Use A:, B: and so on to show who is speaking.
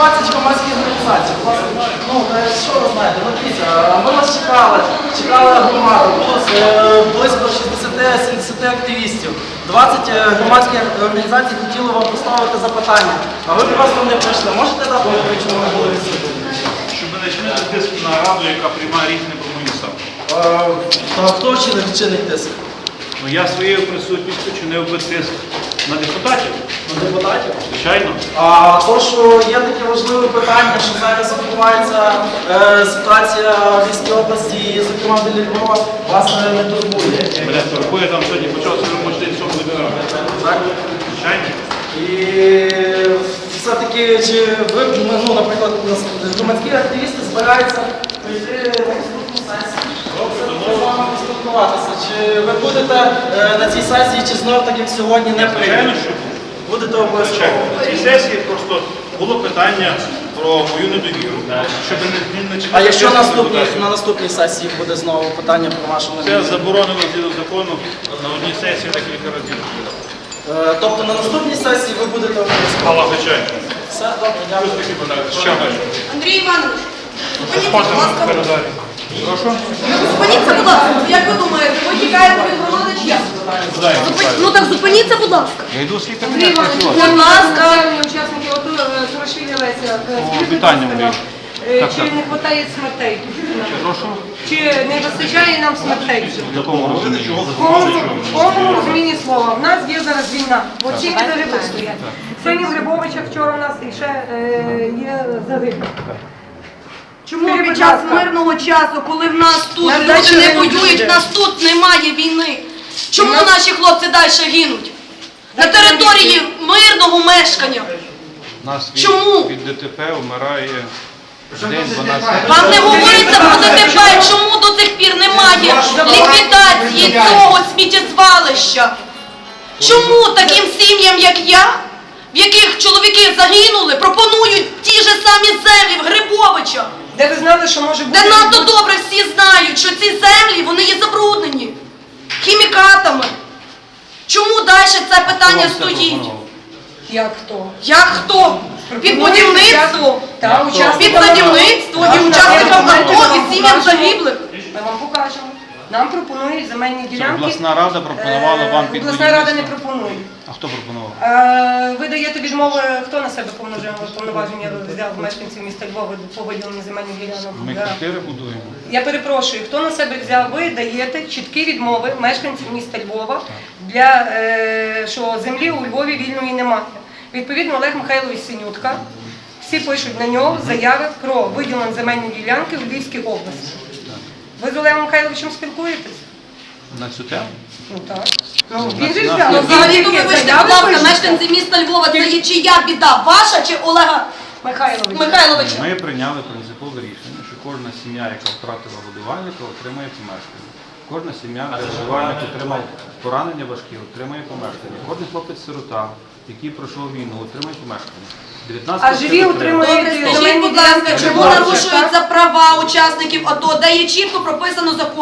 A: 20 громадських організацій. Власне, ну, що ви знаєте, ну, дивіться, ми вас чекали громаду, було близько 60-70 активістів. 20 громадських організацій хотіли вам поставити запитання, а ви просто не прийшли. Можете дати відповідь, чому ви були відсутні?
B: Щоб не чинити тиск на раду, яка приймає рішення про мою ставку.
A: Та хто чинить тиск?
B: Ну, я своєю присутністю чинив би тиск на депутатів.
A: На депутатів?
B: Звичайно.
A: А то, що є таке важливе питання, що зараз відбувається ситуація в Львівській області, і, зокрема біля Львова, вас не турбує.
B: Мене турбує, там сьогодні почався робочий день 7 години.
A: Так?
B: Звичайно.
A: І все-таки, чи ви, ну, наприклад, громадські активісти збираються прийти на наступну сесію? Спілкуватися. Чи ви будете на цій сесії, чи знову так, як сьогодні, не
B: Звичайно,
A: прийдете?
B: що
A: Будете обов'язково?
B: на цій сесії просто було питання про мою недовіру, щоб не чекати.
A: А якщо на наступній сесії буде знову питання про вашу
B: Це
A: недовіру?
B: заборонено згідно закону на одній сесії декілька разів.
A: Тобто на наступній сесії ви будете обов'язково?
B: Але звичайно.
A: Все, добре, дякую.
B: Ще далі.
C: Андрій Іванович, зупиніться, будь ласка.
B: Прошу?
C: Зупиніться, будь ласка. Як ви думаєте, ви тікаєте від громади чи як? Ну так зупиніться, будь ласка.
B: Я йду в свій
C: Андрій
B: кабінет.
C: Іванович, будь ласка. Учасники АТО Хорошвілі Леся.
B: Вітання, Андрій.
C: Чи не вистачає смертей?
B: Прошу?
C: Чи не вистачає нам смертей?
B: В якому розумінні?
C: В повному розумінні слова. В нас є зараз війна. От ці загиблі стоять. Сьогодні в Грибовичах вчора у нас ще є загиблі.
D: Чому під час мирного часу, коли в нас тут люди не воюють, в нас тут немає війни? Чому наші хлопці далі гинуть? На території мирного мешкання. Чому?
B: Від ДТП вмирає день 12.
D: Вам не говориться про ДТП, чому до цих пір немає ліквідації цього сміттєзвалища? Чому таким сім'ям, як я, в яких чоловіки загинули, пропонують ті ж самі землі в Грибовичах?
C: Де ви знали, що може бути?
D: Де надто добре всі знають, що ці землі, вони є забруднені хімікатами. Чому далі це питання стоїть?
C: Як хто?
D: Як хто? Під будівництво,
C: Та,
D: під садівництво і учасникам АТО і сім'ям загиблих.
C: Ми вам покажемо. Нам пропонують земельні ділянки.
B: Обласна рада пропонувала вам під
C: Обласна рада не
B: будівництво.
C: пропонує.
B: А хто пропонував?
C: Ви даєте відмови, хто на себе повноваження взяв мешканців міста Львова по виділенню земельних ділянок?
B: Ми квартири будуємо.
C: Я перепрошую, хто на себе взяв? Ви даєте чіткі відмови мешканців міста Львова для що землі у Львові вільної немає. Відповідно, Олег Михайлович Синютка, всі пишуть на нього заяви про виділення земельної ділянки в Львівській області. Ви з Олегом Михайловичем спілкуєтесь?
B: На цю тему?
C: Ну так. Він же взяв.
D: Ну, взагалі, то вибачте, будь ласка, мешканці міста Львова, це є чия біда? Ваша чи Олега Михайловича?
B: Ми прийняли принципове рішення, що кожна сім'я, яка втратила годувальника, отримає помешкання. Кожна сім'я, де годувальник отримав поранення важкі, отримає помешкання. Кожен хлопець-сирота, який пройшов війну, отримає помешкання.
C: А живі отримують
D: Добре, скажіть, будь ласка, чому нарушуються права учасників АТО, де є чітко прописано закон?